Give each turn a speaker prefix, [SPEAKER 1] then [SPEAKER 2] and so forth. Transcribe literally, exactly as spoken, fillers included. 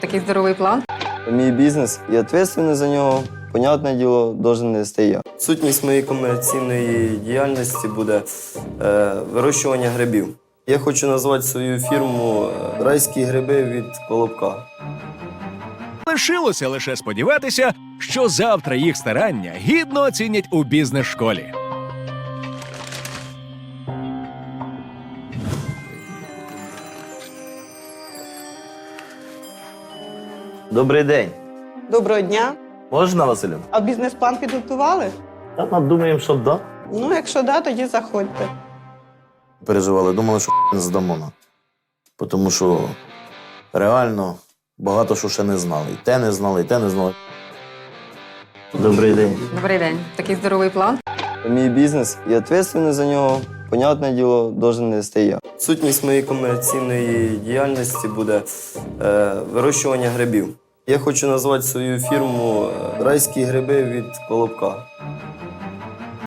[SPEAKER 1] Такий здоровий план.
[SPEAKER 2] Мій бізнес і відповідальність за нього, понятне діло, должен нести я. Сутність моєї комерційної діяльності буде е, вирощування грибів. Я хочу назвати свою фірму е, «Райські гриби від Колобка».
[SPEAKER 3] Лишилося лише сподіватися, що завтра їх старання гідно оцінять у бізнес-школі.
[SPEAKER 4] Добрий день.
[SPEAKER 5] Доброго дня.
[SPEAKER 4] Можна, Василю?
[SPEAKER 5] А бізнес-план підготували?
[SPEAKER 4] Та ми думаємо, що да.
[SPEAKER 5] Ну, якщо да, тоді заходьте.
[SPEAKER 4] Переживали, думали, що не здамо. на. Тому що реально багато що ще не знали. І те не знали, і те не знали. Добрий день.
[SPEAKER 1] Добрий день. Такий здоровий план.
[SPEAKER 2] Мій бізнес і відповідальність за нього, понятне діло, должен нести я. Сутність моєї комерційної діяльності буде е, вирощування грибів. Я хочу назвати свою фірму е, «Райські гриби від Колобка».